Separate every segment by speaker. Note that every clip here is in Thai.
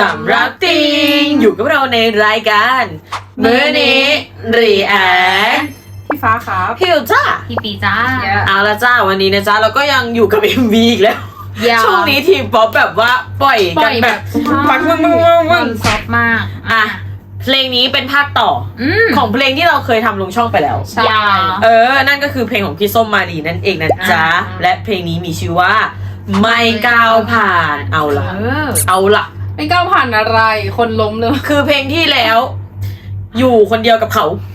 Speaker 1: สำหรับติงอยู่กับเราในรายการมื้อนี้รีแอค
Speaker 2: พี่ฟ้าครับ
Speaker 1: พิวจ้า
Speaker 3: พี่ปีจ้า
Speaker 1: เอาละจ้าวันนี้นะจ้าเราก็ยังอยู่กับ MV อีกแล้ว ช่วงนี้ทีมป๊อปแบบว่าปล่อยกันแบบปังมึง
Speaker 3: ซอฟมาก
Speaker 1: อ่ะเพลงนี้เป็นภาคต่อของเพลงที่เราเคยทำลงช่องไปแล้ว
Speaker 3: ใช่
Speaker 1: นั่นก็คือเพลงของพี่ส้มมาลีนั่นเองนะจ๊ะและเพลงนี้มีชื่อว่าไม่ก้าวผ่านเอาล่ะ
Speaker 2: ไม่ก้าวผ่านอะไร คนล้มเลย
Speaker 1: คือเพลงที่แล้ว อยู่คนเดียวกับเขา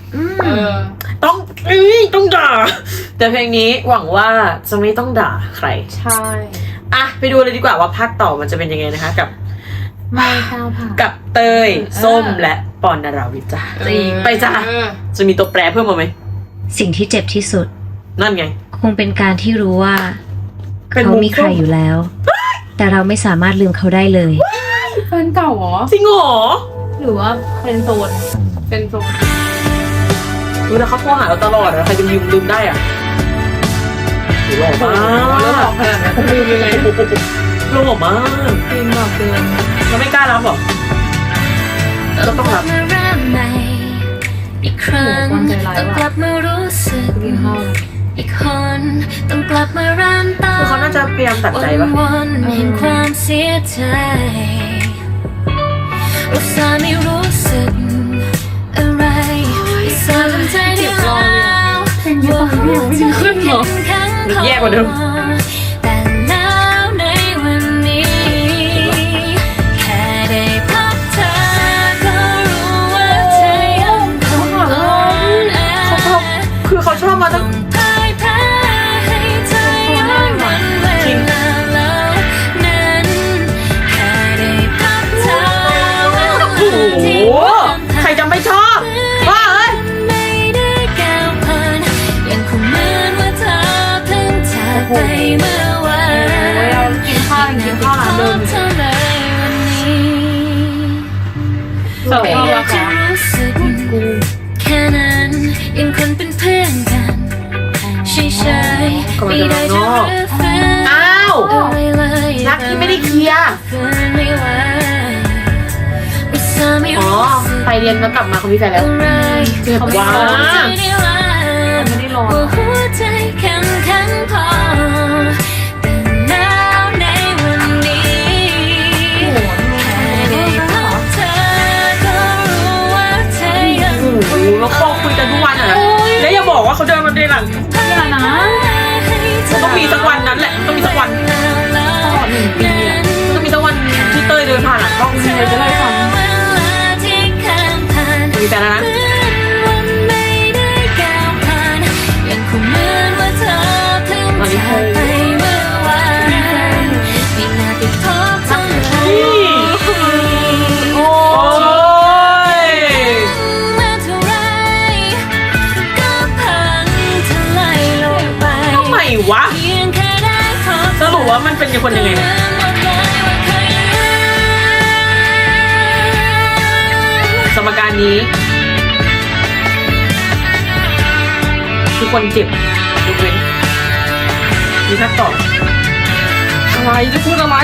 Speaker 1: ต้องด่า แต่เพลงนี้หวังว่าจะไม่ต้องด่าใคร
Speaker 2: ใช่
Speaker 1: อ่ะไปดูเลยดีกว่าว่าภาคต่อมันจะเป็นยังไงนะคะกับ
Speaker 3: ไม่ก้าวผ่าน
Speaker 1: กับเตยส้มและปอนนาราวิทย์จ้า
Speaker 3: จริง
Speaker 1: ไปจ้าจะมีตัวแปรเพิ่มมาไหม
Speaker 4: สิ่งที่เจ็บที่สุด
Speaker 1: นั่นไง
Speaker 4: คงเป็นการที่รู้ว่า
Speaker 1: เป็น
Speaker 4: เขา
Speaker 1: มุม
Speaker 4: มีใครอยู่แล้ว แต่เราไม่สามารถลืมเขาได้เลย
Speaker 2: แฟนเก่าเหรอ
Speaker 1: จริงเหรอ
Speaker 3: หรือว่าเป็นโซน
Speaker 2: เป็นโซน
Speaker 1: ดูแล้วเขาโทรหาเราตลอดอะใครจะลืมได้อ่ะหล่อมาก
Speaker 2: เรื่องของขนาดนั้นลืมยังไง
Speaker 1: หล่อมาก
Speaker 2: ลืมแบบเดิน
Speaker 1: เราไม่กล้ารับหรอก็ต้องรับ
Speaker 4: มาเริ่มใหม่อีกครั้ง
Speaker 2: ความใจร้าย
Speaker 4: ต้องก
Speaker 2: ว่ะ
Speaker 4: ลับมารู้สึก
Speaker 2: กินข้าว
Speaker 4: อีกคนต้องกลับมาเริ่มต้น
Speaker 1: คือเขาน่าจะพยายามตัดใจปะ
Speaker 4: วนๆแห่งความเสียใจอุตส่าห์ไม่รู้สึกอะไรอุตส่าห์ทำใจได้แล้วว่าหัวใจเข้มแข็งพอ
Speaker 1: แย่กว่าเดิม
Speaker 4: แต่แล้วในวันนี้ แค่ได้พบเธอก็รู้ว่าเธอยังคงอ่อนแอ
Speaker 1: คือเขาชอบมาตั้ง
Speaker 4: พ่ายแพ้ให้เธอย้อนวันเวลาแล้วนั้นแค่ได้พบเธอ
Speaker 1: โอ้โหใครจะไม่ชอบว่าเอ้ย
Speaker 4: ไม่ได้ก้าวผ่านยังคงเหมือนว่าเธอเพิ่งจากไปเมื่อวาน
Speaker 2: กินข้าวร้านเดิม
Speaker 4: เท่าเลยวันนี้
Speaker 2: เสิร์ฟข้าว
Speaker 4: อยา
Speaker 2: ว่าก
Speaker 4: จะ
Speaker 2: ค่ะ
Speaker 4: รู้สึกแค่นั้นยังคนเป็นเพื่อนกันเฉยๆไม่ได้จะรื้อฟื้น
Speaker 1: อ้าว
Speaker 4: อะไรเลย
Speaker 1: รักที่ไม่ได้เคลียร์
Speaker 4: ฟื้นไม่ไหวอุตส่าห์ไม่
Speaker 1: อ๋อ
Speaker 4: รู้สึก
Speaker 1: ไปเรียนแล้วกลับมาเขามีแฟนแล้ว
Speaker 4: อะไร
Speaker 1: เขาไม่ได้
Speaker 2: ไม่ได้รอ
Speaker 4: ว่าหัวใจแข็งแข็งพอแต่แล้วในวันนี้แค่ได้พบเธอก็รู้ว่าเธอยัง
Speaker 1: โอ้โหแล้วก็คุยกันทุกวันอ่ะแล้วอย่าบอกว่าเขาเดินมาในหลัง
Speaker 3: อย่านะ
Speaker 1: ต้องมีสักวันนั้นแหละต้องมีสักวัน
Speaker 2: ตลอด1 ปีอะ
Speaker 1: ต้องมีสักวันที่เต้ยเดินผ่านหลังกล้อง
Speaker 2: มีอะไรจะเล่าให้ฟัง
Speaker 1: มีแฟนแล้วนะ
Speaker 4: ตอนนี้เคยไปเมื่อวานไม่น่าไปพบเธอเลย
Speaker 1: โอ้ย
Speaker 4: มาเท่าไรก็พังทลายลงไป
Speaker 1: ทำไมวะ
Speaker 4: เพียงแค่ได้พบ
Speaker 1: สรุปว่ามันเป็นคนยังไงเนี่ยสมการนี้คือคนเจ็บยกเว้นมีทักต่อ
Speaker 2: อะไรจะพูดอะไร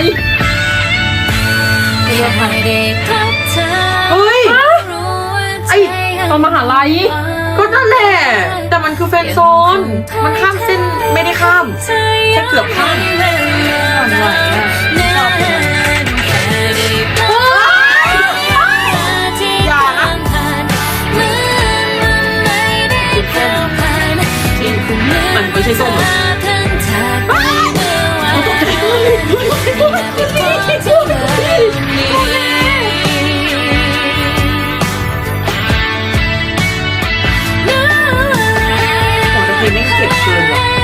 Speaker 4: ยังไม่ได้พบเธอ
Speaker 1: เฮ้ย
Speaker 4: รู้ว่าใจ
Speaker 1: ไอ้
Speaker 2: ตอนมหาลัย
Speaker 1: ก็นั่นแหละ แต่มันคือแฟนโซน มันข้ามเส้นไม่ได้ข้าม แค่เกือบข้าม อย่านะ มันไม่ใช่ส้มเหรอ โอ้แต่เพลงไม่งเจ็บเกินว่ะ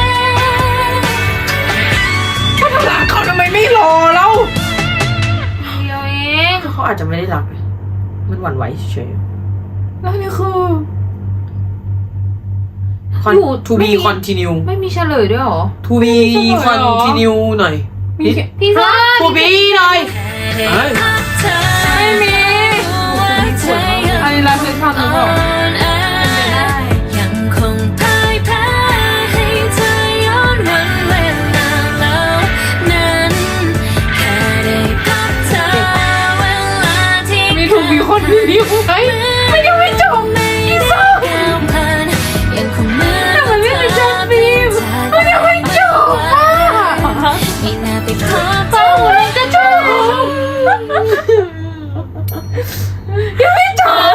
Speaker 1: ก็ทำรักเขาทำไมไม่รอแล้ว
Speaker 3: เดียวเอง
Speaker 1: เขาอาจจะไม่ได้รักเลยมันหวั่นไหวเฉย
Speaker 2: แล้วนี่คือ
Speaker 1: ๆ to be continue
Speaker 3: ไม่มีเฉลยด้วยเหรอ
Speaker 1: to be continue หน่อย
Speaker 2: มีแค่
Speaker 3: พี่ซ่า
Speaker 1: to be หน่อยเฮ้ย
Speaker 2: ไม่มีอันนี้ร้านเพชรทำหรือเปล่า
Speaker 4: ยังคงพ่ายแพ้ให้เธอย้อนวันเวลาแล้วนั้นแค่ได้พบเธอเวลา
Speaker 2: นิ้วไหมมันยังไม่จบอีส้ม
Speaker 4: ยังคงเหมือน
Speaker 2: ทำไมไม่เป็นจัสมินมันยังไม่จบอ่ะ
Speaker 4: ไม่น่าไปขอ
Speaker 2: เป้ามันจะจบยังไม่จบ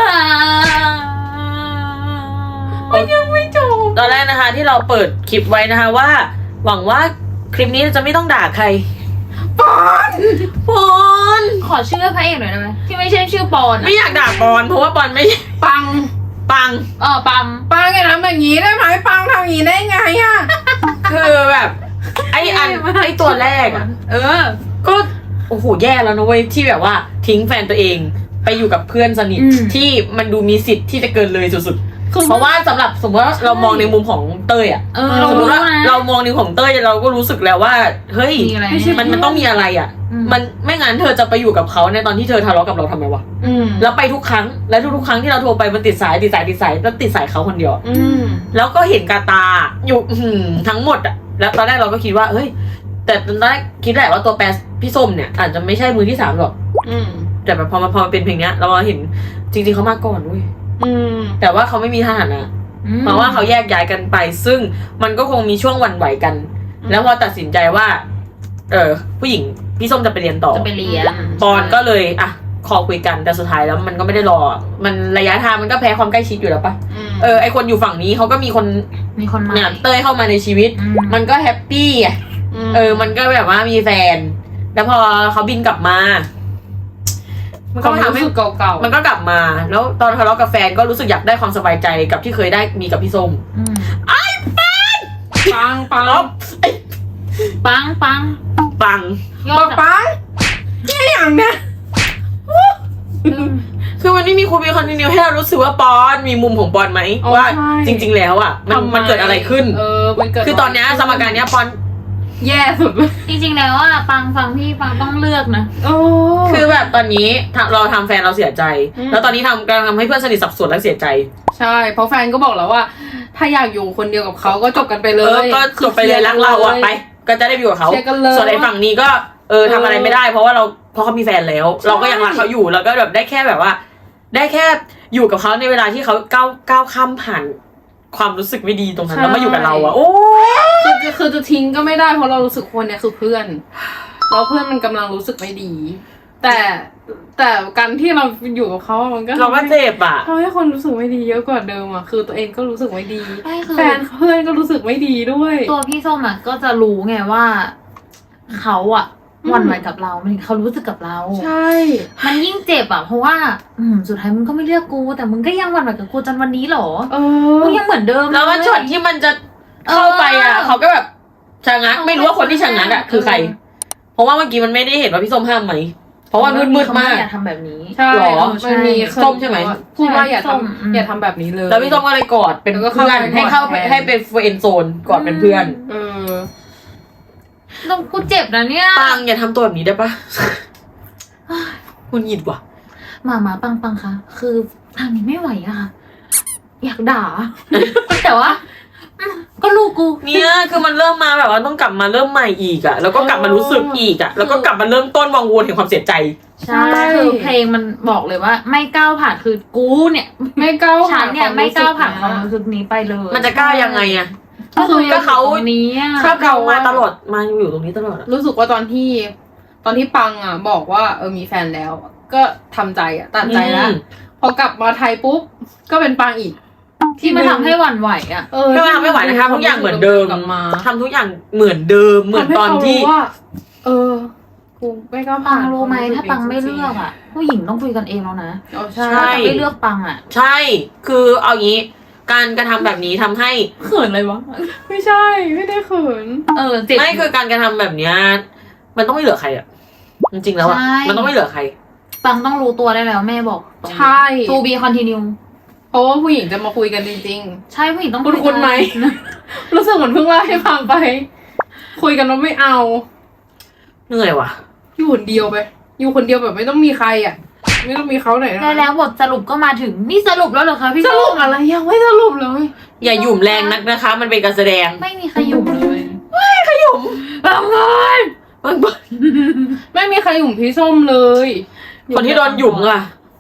Speaker 2: มันยังไม่จบ
Speaker 1: ตอนแรกนะคะที่เราเปิดคลิปไว้นะคะว่า หวังว่าคลิปนี้จะไม่ต้องด่าใคร
Speaker 2: ปอน
Speaker 1: ปอน
Speaker 3: ขอชื่อพระเอกหน่อยได้ไหมที่ไม่ใช่ชื่อปอน
Speaker 1: ไม่อยากด่าปอนเพราะว่าปอนไม่
Speaker 2: ปัง
Speaker 1: ปัง
Speaker 3: ปัม
Speaker 2: ปังอย่าทำแบบนี้ได้ไหมปังทำอย่างนี้ได้ไงอ่ะ
Speaker 1: คือแบบไอตัวแรกอะ ก็โอ้โหแย่แล้วนะเว้ยที่แบบว่าทิ้งแฟนตัวเองไปอยู่กับเพื่อนสนิทที่มันดูมีสิทธิ์ที่จะเกินเลยสุดๆเพราะว่าสำหรับสมมติว่าเรามองในมุมของเต้ยอะ
Speaker 3: เรา
Speaker 1: สมม
Speaker 3: รู้
Speaker 1: ติว่า
Speaker 3: นะ
Speaker 1: เรามองในของเต้ยเราก็รู้สึกแล้วว่าเฮ้ย
Speaker 3: มีอะไร
Speaker 1: มันต้องมีอะไรอะมันไม่งั้นเธอจะไปอยู่กับเขาในตอนที่เธอทะเลาะกับเราทำไมวะ แล้วไปทุกครั้งแล้วทุกๆครั้งที่เราโทรไปมันติดสายแล้วติดสายเขาคนเดียว แล้วก็เห็นกาตาอยู่ทั้งหมดอะแล้วตอนแรกเราก็คิดว่าเฮ้ยแต่ตอนแรกคิดแหละว่าตัวแปรพี่ส้มเนี่ยอาจจะไม่ใช่มือที่3หรอกแต่แบบพอมาเป็นเพลงเนี้ยเราเห็นจริงๆเขามาก่อนเว้ยแต่ว่าเขาไม่มีฐานะเพราะว่าเขาแยกย้ายกันไป ซึ่งมันก็คงมีช่วงหวั่นไหวกัน แล้วพอตัดสินใจว่าผู้หญิงพี่ส้มจะไปเรียนต่อ
Speaker 3: จะไปเรียน
Speaker 1: ปอนก็เลยคอคุยกันแต่สุดท้ายแล้วมันก็ไม่ได้รอมันระยะทางมันก็แพ้ความใกล้ชิดอยู่แล้วปะไอคนอยู่ฝั่งนี้เขาก็มีคน
Speaker 3: มา
Speaker 1: เนี่ยเต้ยเข้ามาในชีวิต มันก็แฮปปี้อ่ะมันก็แบบว่ามีแฟน แล้วพอเขาบินกลับมา มันก็ทำให้
Speaker 2: รู้สึกเก่าๆ
Speaker 1: มันก็กลับมา แล้วตอนทะเลาะกับแฟนก็รู้สึกอยากได้ความสบายใจกับที่เคยได้มีกับพี่ส้ม
Speaker 2: ปังปัง
Speaker 3: ปัง
Speaker 1: ปัง
Speaker 3: ยอ
Speaker 2: ปั
Speaker 3: ด
Speaker 2: งปังนี่อย่างเนี้ย
Speaker 1: คือมันไม่มีคูมีคอนติเนียให้เรารู้สึกว่าปอนมีมุมของปอนไหมว่าจริง ๆ แล้วอ่ะมันเกิดอะไรขึ้น
Speaker 2: มันเกิด
Speaker 1: คือตอนเนี้ยสมการเนี้ยปอน
Speaker 2: แย่สุดเลย
Speaker 3: จริงๆแล้วปังฟังพี่ปังต้องเลือกนะ
Speaker 1: คือแบบตอนนี้เราทำแฟนเราเสียใจ แล้วตอนนี้กำลังทำให้เพื่อนสนิทสับสนและเสียใจ
Speaker 2: ใช่เพราะแฟนก็บอกแล้วว่า ถ้าอยากอยู่คนเดียวกับเขาก็จบกันไปเลย
Speaker 1: ก็จบไปเลยรักเราอะไป ก็จะได้ไปอยู่กับเขา
Speaker 2: เชียร์กันเลย
Speaker 1: ส่วนไอ้ฝั่งนี้ก็ทำอะไรไม่ได้เพราะเขามีแฟนแล้ว เราก็ยังรักเขาอยู่แล้วก็แบบได้แค่แบบว่า ได้แค่อยู่กับเขาในเวลาที่เขาก้าวข้ามผ่านความรู้สึกไม่ดีตรงนั้นแล้วมาอยู่กับเราอะโอ้
Speaker 2: คือจะทิ้งก็ไม่ได้เพราะเรารู้สึกคนเนี่ยคือเพื่อนแล้วเพื่อนมันกำลังรู้สึกไม่ดี แต่การที่เราอยู่กับเขามันก็
Speaker 1: เราก็เจ็บอะ
Speaker 2: ทำให้คนรู้สึกไม่ดีเยอะกว่าเดิมอ่ะคือตัวเองก็รู้สึกไม่ดี
Speaker 3: ไม่คือ
Speaker 2: แฟนเพื่อนก็รู้สึกไม่ดีด้วย
Speaker 3: ตัวพี่ส้มก็จะรู้ไงว่าเขาหวั่นไหวกับเราเขารู้สึกกับเรา
Speaker 2: ใช่
Speaker 3: มันยิ่งเจ็บเพราะว่าสุดท้ายมึงก็ไม่เลือกกู แต่มึงก็ยังหวั่นไหวกับกูจนวันนี้เหรอมึงยังเหมือนเดิม
Speaker 1: แล้วว่าช็อตที่มันจะเข้าไปอะเขาก็แบบชะงักไม่รู้ว่าคนที่ชะงักอะคือใคร เพราะว่าเมื่อกี้มันไม่ได้เห็นว่าพี่ส้มห้ามไหมเพราะว่ามืดมาก
Speaker 3: อย่าทำแบบนี้
Speaker 2: ใช่
Speaker 1: หรอ
Speaker 2: มันมี
Speaker 1: ส้มใช่ไหม
Speaker 2: พูดว่าอย่า
Speaker 3: ส้ม
Speaker 2: อย่าทำแบบนี้เลย
Speaker 1: แล้วพี่ส้มก็เลยกอดเป็น
Speaker 2: แล้วก็
Speaker 1: เพื่อน
Speaker 2: เข้าไป
Speaker 1: ให้เป็นเฟรนด์โซนกอดเป็นเพื่อน
Speaker 3: ต้องกูเจ็บนะเนี่ย
Speaker 1: ปังอย่าทำตัวแบบนี้ได้ปะคุณหยิดว่ะ
Speaker 3: มาปังค่ะคือทางนี้ไม่ไหวอะค่ะอยากด่า แต่ว่าก็ลูกกู
Speaker 1: เนี่ยคือมันเริ่มมาแบบว่าต้องกลับมาเริ่มใหม่อีกอะแล้วก็กลับมารู้สึกอีกอะแล้วก็กลับมาเริ่มต้นวังวนแห่งความเสียใจ
Speaker 3: ใช่คือเพลงมันบอกเลยว่า ไม่ก้าวผ่านคือกูเนี่ย
Speaker 2: ไม่ก้าว
Speaker 3: ฉันเนี่ยไม่ก้าวผ่านความรู้สึกนี้ไปเลย
Speaker 1: มันจะกล้ายังไงอะ
Speaker 3: ก็เขานี้อะ
Speaker 1: เขามาตลอดมาอยู่ตรงนี้ตลอดอะ
Speaker 2: รู้สึกว่าตอนที่ปังบอกว่ามีแฟนแล้ว ก็ทำใจตัดใจแล้วพอกลับมาไทยปุ๊บก็เป็นปังอีก
Speaker 3: ที่มันทำให้หวั่นไหวอะ
Speaker 1: ก็ทำไม่ไหวนะคะทุกอย่างเหมือนเดิม
Speaker 2: กลับมา
Speaker 1: ทำทุกอย่างเหมือนเดิมเหมือนตอนที่
Speaker 2: ทำให้เขารู้ว่ากูไม่ก้าว
Speaker 3: ปั
Speaker 2: ผ่าง น
Speaker 3: รู้ไหมถ้าปังไม่เลือกอะผู้หญิงต้องคุยกันเองแล้วนะ
Speaker 2: ใช่
Speaker 1: ใช่
Speaker 3: ถ้าไม่เลือกปังอะ
Speaker 1: ใช่ คือเอางี้การกระทำแบบนี้ทำให้
Speaker 2: เขินเลยวะไม่ใช่ไม่ได้เขิน
Speaker 3: เจ็บ
Speaker 1: ไม่คือการกระทำแบบเนี้ยมันต้องไม่เหลือใครอะจริงๆแล้วอะ
Speaker 3: ใช่
Speaker 1: มันต้องไม่เหลือใคร
Speaker 3: ปังต้องรู้ตัวได้แล้วแม่บอก
Speaker 2: ใช่
Speaker 3: to be continue
Speaker 2: เพราะว่าผู้หญิงจะมาคุยกันจริง
Speaker 3: ใช่ผู้หญิงต้อง
Speaker 2: ๆคุณไหม รู้สึกเหมือนเพิ่งเล่าให้ฟังไป คุยกันว่าไม่เอา
Speaker 1: เหนื่อยว่ะ
Speaker 2: อยู่คนเดียวไปอยู่คนเดียวแบบไม่ต้องมีใครไม่ต้องมีเขาไหน
Speaker 3: แล้วบทสรุปก็มาถึงนี่สรุปแล้วเหรอคะพี่
Speaker 2: สรุปอะไรยังไม่สรุปเลย
Speaker 1: อย่าหยุ่มแรงนักนะคะ มันเป็นการแสดง
Speaker 3: ไม่มีใครอยู่เลย
Speaker 1: ขยุ่ม
Speaker 3: ปังเลย
Speaker 1: บาง
Speaker 2: ไม่มีใครหยุ่มพี่ส้มเลย
Speaker 1: คนที่โดนหยุ่มล่ะ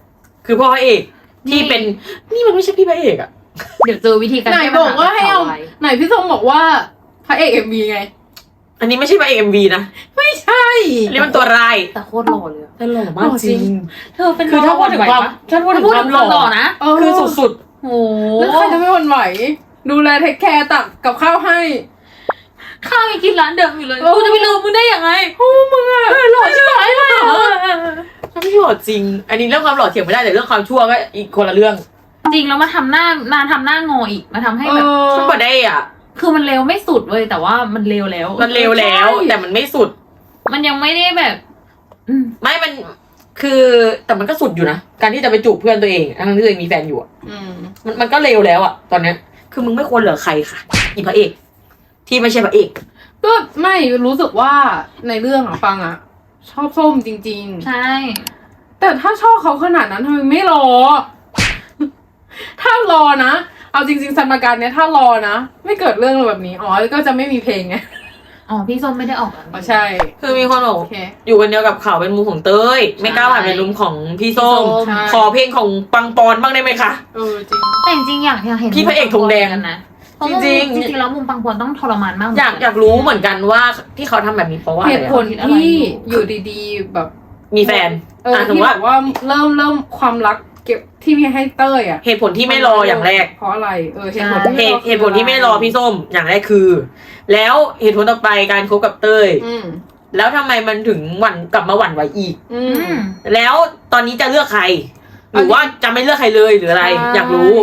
Speaker 1: คือพ่อพระเอกที่เป็นนี่มันไม่ใช่พี่พระเอกอะ
Speaker 3: เดี๋ยวเจอวิธีการ
Speaker 2: ไหน
Speaker 3: แก้
Speaker 2: บ
Speaker 3: ปัญ
Speaker 2: อกว่าให้เอา
Speaker 3: บไว้
Speaker 2: ไหนพี่ส้มบอกว่าพระเอกเอ็มวีไง
Speaker 1: อันนี้ไม่ใช่พระเอก MV นะ
Speaker 2: ไม่ใช่
Speaker 1: อันนี้มันตัวร้าย
Speaker 3: แต่โคตรหล่อเลยอะ
Speaker 1: แต่หล่อมากจริง
Speaker 3: เธอเป็น
Speaker 1: คือถ้าพูดถึงความ
Speaker 3: ไหวปะ
Speaker 1: ถ้าพูดถึง
Speaker 3: พูด
Speaker 1: ค
Speaker 3: ถึ
Speaker 1: วาม
Speaker 3: ง
Speaker 1: ห
Speaker 3: ความหล่
Speaker 1: ล่
Speaker 3: อ
Speaker 1: อ
Speaker 3: นะ
Speaker 1: คือสุด
Speaker 3: โอ้
Speaker 2: แล้วใครจะไม่หวั่นไหว ดูแลเทคแคร์ตักกับข้าวให้
Speaker 3: ข้าวยังกินร้านเดิมอยู่เลย
Speaker 2: เออ
Speaker 3: กูจะไปลืมมึงได้ยังไง
Speaker 2: โอ้มึงอะ
Speaker 3: หล่อใช่ไหมเลยเหรอ
Speaker 1: ๆถ้าไม่หล่อจริง อันนี้เรื่องความหล่อเถียงไม่ได้แต่เรื่องความชั่วก็อีกคนละเรื่อง
Speaker 3: จริงแล้วมาทำหน้างออีกมาทำให้แบบ
Speaker 1: มันบ่ได้อ่ะ
Speaker 3: คือมันเร็วไม่สุดเว้ยแต่ว่ามันเร็วแล้ว
Speaker 1: มันเร็วแล้วแต่มันไม่สุด
Speaker 3: มันยังไม่ได้แบบ
Speaker 1: ไม่มันคือแต่มันก็สุดอยู่นะการที่จะไปจูบเพื่อนตัวเองทั้งที่ตัวเองมีแฟนอยู่อะ
Speaker 2: อืม
Speaker 1: มันก็เร็วแล้วอะตอนเนี้ยคือมึงไม่ควรเหลือใครค่ะอีพระเอกที่ไม่ใช่พระเอก
Speaker 2: ก็ไม่รู้สึกว่าในเรื่องอะฟังอะชอบส้มจริง
Speaker 3: ใช่
Speaker 2: ๆ แต่ถ้าชอบเขาขนาดนั้นทำไมไม่รอ ถ้ารอนะ เอาจริงๆสมการเนี้ยถ้ารอนะ ไม่เกิดเรื่องแบบนี้อ๋อก็จะไม่มีเพลงไง
Speaker 3: อ๋อพี่ส้มไม่ได้ออกอันนี้
Speaker 2: อ๋อใช่
Speaker 1: คือมีคนบอก
Speaker 2: โอเค
Speaker 1: อยู่คนเดียวกับเขาเป็นมุมของเต้ยไม่กล้าผ่านเป็นมุมของพี่ส้ม
Speaker 2: ใช่
Speaker 1: ขอเพลงของปังปอนบ้างได้ไหมคะ
Speaker 2: เออจริง
Speaker 3: แต่จริงๆอยากเห็น
Speaker 1: พี่พระเอกธงแดง
Speaker 3: กันนะเพราะ
Speaker 1: จ
Speaker 3: ว่า
Speaker 1: ริงๆ
Speaker 3: จริงๆแล้วมุมปังปอนต้องทรมานมาก
Speaker 1: อยากรู้เหมือนกันว่าที่เขาทำแบบนี้เพราะว่าอะ
Speaker 2: เห
Speaker 1: ไร
Speaker 2: ตุ
Speaker 1: อะ
Speaker 2: ผลที่อยู่ดีๆแบบ
Speaker 1: มีแฟน
Speaker 2: ที่
Speaker 1: ถือ
Speaker 2: แบ
Speaker 1: ว่า
Speaker 2: บว่าเริ่มความรักเก็บที่มีให้เต้ยอ่ะ
Speaker 1: เหตุผลที่ไม่รออย่างแรก
Speaker 2: เพราะอะไรเหตุผลที่ไม่รอ
Speaker 1: เหตุผลที่ไม่รอพี่ส้มอย่างแรกคือ แล้วเหตุผลต่อไปการคบกับเต้ย
Speaker 2: อืม
Speaker 1: แล้วทำไมมันถึงกลับมาหวั่นไหวอีก
Speaker 2: อื
Speaker 3: อื
Speaker 2: ม
Speaker 3: ม
Speaker 1: แล้วตอนนี้จะเลือกใคร หรือว่าจะไม่เลือกใครเลยหรืออะไร อยากรู้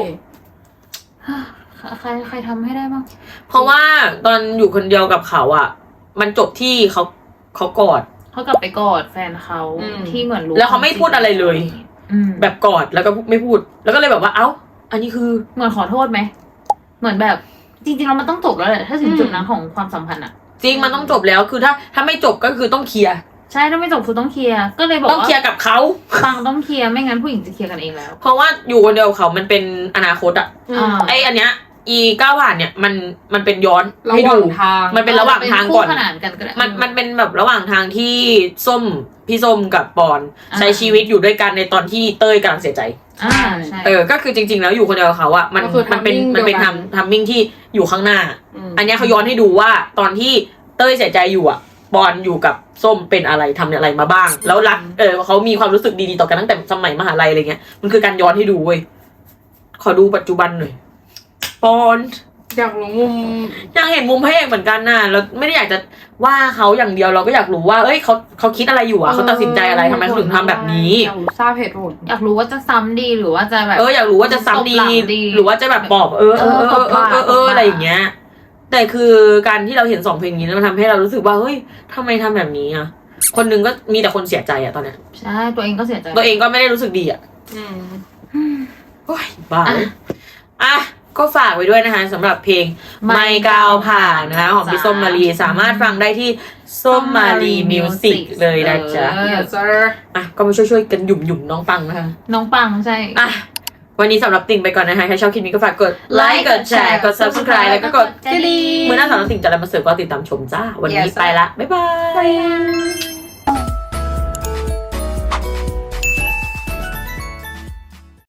Speaker 3: ใครทำให้ได้บ้าง
Speaker 1: เพราะว่าตอนอยู่คนเดียวกับเขาอ่ะ มันจบที่เขากอด
Speaker 3: เขากลับไปกอดแฟนเขาที่เหมือนรู้
Speaker 1: แล้วเขาไม่พูดอะไรเลย แบบกอดแล้วก็ไม่พูด แล้วก็เลยแบบว่าเอ้า อันนี้คือ
Speaker 3: เหมือนขอโทษไหมเหมือนแบบจริงๆแล้วมันต้องจบแล้วแหละถ้าถึงจุดนั้นของความสัมพันธ์อะ
Speaker 1: จริงมันต้องจบแล้วคือถ้าไม่จบก็คือต้องเคลียร์
Speaker 3: ใช่ถ้าไม่จบคือต้องเคลียร์ก็เลยบอก
Speaker 1: ต้อง
Speaker 3: ว่า
Speaker 1: เคลียร์กับเขา
Speaker 3: ฟังต้องเคลียร์ไม่งั้นผู้หญิงจะเคลียร์กันเองแล้ว
Speaker 1: เพราะว่าอยู่คนเดียวกับเขามันเป็นอนาคตอ่ะ
Speaker 3: อ่า
Speaker 1: ไออันเนี้ยอีก้าวผ่านเนี่ยมันเป็นย้อน
Speaker 2: ระ
Speaker 1: ให้
Speaker 2: ห
Speaker 1: ดู
Speaker 2: ว่างทาง
Speaker 1: มันเป็นระหว่างทางก่อน
Speaker 3: เป็คู่ขนานกันก็ได้
Speaker 1: มันเป็นแบบระหว่างทางที่พี่ส้มกับปอน
Speaker 3: อ่า
Speaker 1: ใช้ชีวิตอยู่ด้วยกันในตอนที่เต้ยกำลังเสียใจ
Speaker 3: อ่าใช่
Speaker 1: ก็คือจริงๆแล้วอยู่คนเดียวกับเขาอะมัน
Speaker 2: ก็คือ
Speaker 1: มันเป็น
Speaker 2: timing
Speaker 1: มันเป็น
Speaker 2: เดียวกัน
Speaker 1: ทัมมิ่งที่อยู่ข้างหน้า
Speaker 2: ม
Speaker 1: อันเนี้ยเขาย้อนให้ดูว่าตอนที่เต้ยเสียใจอยู่อะปอนอยู่กับส้มเป็นอะไรทำอะไรมาบ้าง แล้วรักเขามีความรู้สึกดีๆต่อกันตั้งแต่สมัยมหาลัยอะไรเงี้ยมันคือการย้อนให้ดูเว้ยขอดูปัจจุบันหน่อยปอน
Speaker 2: อยากรู้มุม
Speaker 1: อยากเห็นมุมพระเอกเหมือนกันน่ะแล้วไม่ได้อยากจะว่าเขาอย่างเดียวเราก็อยากรู้ว่าเอ้ยเขาคิดอะไรอยู่อะเขาตัดสินใจอะไรทำไมเขาถึงทำแบบนี้
Speaker 2: อยากรู้ทราบเหตุผล
Speaker 3: อยากรู้ว่าจะซ้ำดีหรือว่าจะแบบ
Speaker 1: อยากรู้ว่าจะซ้ำดี
Speaker 3: ตบหลังดี
Speaker 1: หรือว่าจะแบบปอบ
Speaker 3: ตบปาก
Speaker 1: อะไรอย่างเงี้ย แต่คือการที่เราเห็น2เพลงนี้มันทำให้เรารู้สึกว่าเฮ้ยทำไมทำแบบนี้อ่ะคนหนึงก็มีแต่คนเสียใจอะตอนเนี้ย
Speaker 3: ใช่ตัวเองก็เสียใจ
Speaker 1: ตัวเองก็ไม่ได้รู้สึกดีอะ
Speaker 2: อืม
Speaker 1: โอ้ยบ้าอ่ะก็ฝากไว้ด้วยนะคะสำหรับเพลงไม่ก้าวผ่านนะคะของพี่ส้มมารีสามารถฟังได้ที่ส้มมารีมิวสิกเลยนะจ๊ะ
Speaker 2: yes sir
Speaker 1: อ่ะก็มาช่วยๆกันหยุ่มน้องปังนะคะ
Speaker 3: น้องปังใช่
Speaker 1: อ่ะวันนี้สำหรับติ่งไปก่อนนะคะใครชอบคลิปนี้ก็ฝากกดไลค์กดแชร์กด subscribe แล้วก็กดกระดิ่งเมื่อหน้าสำหรับติ่งจะอะไรมาเสิร์ฟก็ติดตามชมจ้าวันนี้
Speaker 2: Yes
Speaker 1: ไปละบ๊ายบาย
Speaker 2: bye